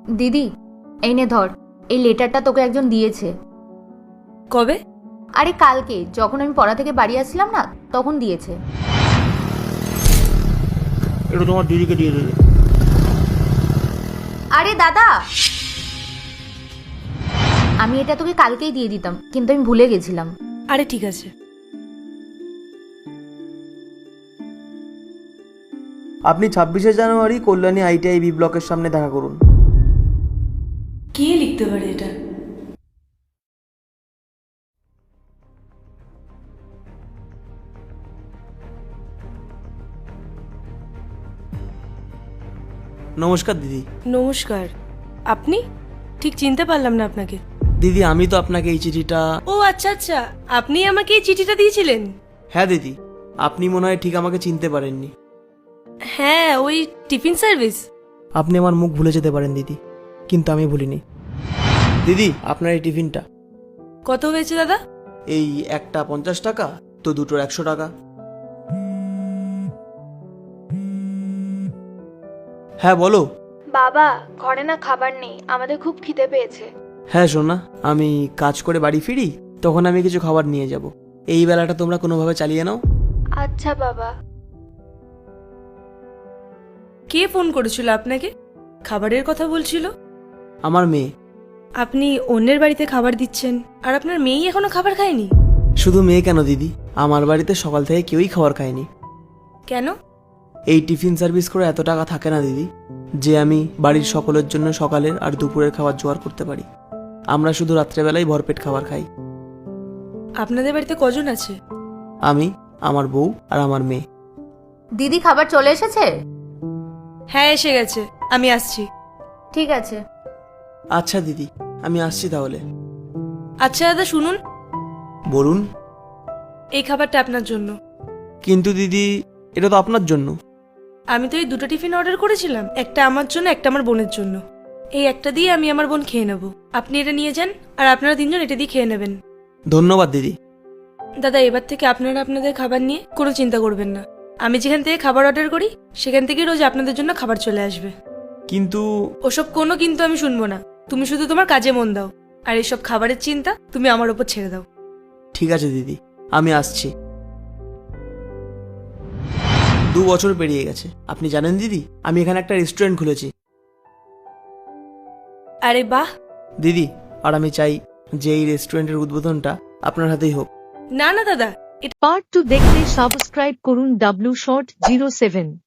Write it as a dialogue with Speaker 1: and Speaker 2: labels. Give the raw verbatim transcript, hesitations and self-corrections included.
Speaker 1: দিদি এই নে ধর, এই লেটারটা তোকে একজন দিয়েছে।
Speaker 2: কবে?
Speaker 1: আরে কালকে, যখন আমি পড়া থেকে বাড়ি আসছিলাম না তখন দিয়েছে।
Speaker 3: এটা তোমার দিদিকে দিয়ে দেবে।
Speaker 1: আরে দাদা, আমি এটা তোকে কালকেই দিয়ে দিতাম, কিন্তু আমি ভুলে গেছিলাম।
Speaker 2: আরে ঠিক আছে।
Speaker 4: আপনি ছাব্বিশে জানুয়ারি কল্যাণী আইটিআই বি ব্লকের সামনে দেখা করুন।
Speaker 2: কে লিখতে পারে এটা?
Speaker 4: নমস্কার দিদি।
Speaker 2: নমস্কার। আপনি? ঠিক চিনতে পারলাম না আপনাকে।
Speaker 4: দিদি আমি তো আপনাকে এই চিঠিটা।
Speaker 2: ও আচ্ছা আচ্ছা, আপনি আমাকে এই চিঠিটা দিয়েছিলেন?
Speaker 4: হ্যাঁ দিদি, আপনি মনে হয় ঠিক আমাকে চিনতে পারেননি।
Speaker 2: হ্যাঁ, ওই টিফিন সার্ভিস।
Speaker 4: আপনি আমার মুখ ভুলে যেতে পারেন দিদি, কিন্তু আমি ভুলিনি। দিদি আপনার এই টিফিনটা।
Speaker 2: কত হয়েছে দাদা?
Speaker 4: এই একটা পঞ্চাশ টাকা, তো দুটোর একশো টাকা। হ্যাঁ বলো।
Speaker 5: বাবা, ঘরে না খাবার নেই, আমাদের খুব খিদে পেয়েছে।
Speaker 4: হ্যাঁ সোনা, আমি কাজ করে বাড়ি ফিরি তখন আমি কিছু খাবার নিয়ে যাব। এই বেলাটা তোমরা কোনোভাবে চালিয়ে নাও।
Speaker 5: আচ্ছা বাবা।
Speaker 2: কে ফোন করেছিল আপনাকে? খাবারের কথা বলছিল?
Speaker 4: আমার মেয়ে।
Speaker 2: আপনি অন্যের বাড়িতে খাবার দিচ্ছেন আর আপনার মেয়েই এখনো খাবার খায়নি?
Speaker 4: শুধু মেয়ে কেন দিদি, আমার বাড়িতে সকাল থেকে কেউই খাবার খায়নি।
Speaker 2: কেন?
Speaker 4: এই টিফিন সার্ভিস করে এত টাকা থাকে না দিদি যে আমি বাড়ির সকলের জন্য সকালের আর দুপুরের খাবার জোগাড় করতে পারি। আমরা শুধু রাত্রেবেলায় ভরপেট খাবার খাই।
Speaker 2: আপনাদের বাড়িতে কজন আছে?
Speaker 4: আমি, আমার বউ আর আমার মেয়ে।
Speaker 1: দিদি খাবার চলে এসেছে?
Speaker 2: হ্যাঁ এসে গেছে, আমি আসছি।
Speaker 1: ঠিক আছে।
Speaker 4: আচ্ছা দিদি, আমি আসছি তাহলে।
Speaker 2: আচ্ছা দাদা শুনুন,
Speaker 4: বলুন।
Speaker 2: এই খাবারটা আপনার জন্য।
Speaker 4: কিন্তু দিদি, এটা তো আপনার জন্য।
Speaker 2: আমি তো এই দুটো টিফিন অর্ডার করেছিলাম, একটা আমার জন্য একটা আমার বোনের জন্য। এই একটা দিয়ে আমি আমার বোন খেয়ে নেব, আপনি এটা নিয়ে যান আর আপনারা তিনজন এটা দিয়ে খেয়ে নেবেন।
Speaker 4: ধন্যবাদ দিদি।
Speaker 2: দাদা এবার থেকে আপনারা আপনাদের খাবার নিয়ে কোনো চিন্তা করবেন না। আমি যেখান থেকে খাবার অর্ডার করি সেখান থেকে রোজ আপনাদের জন্য খাবার চলে আসবে।
Speaker 4: কিন্তু
Speaker 2: ওসব কোনো কিন্তু আমি শুনবো না। তুমি শুধু তোমার কাজে মন দাও, আর এইসব খাবারের চিন্তা তুমি আমার ওপর ছেড়ে দাও।
Speaker 4: ঠিক আছে দিদি, আমি আসছি। দু বছর পেরিয়ে গেছে। আপনি জানেন দিদি, আমি এখানে একটা রেস্টুরেন্ট খুলেছি।
Speaker 2: আরে বাহ।
Speaker 4: দিদি, আর আমি চাই যে এই রেস্টুরেন্টের উদ্বোধনটা আপনার হাতেই হোক।
Speaker 2: না না দাদা,
Speaker 6: পার্ট টু দেখতে সাবস্ক্রাইব করুন ডাব্লিউ শর্ট জিরো সেভেন।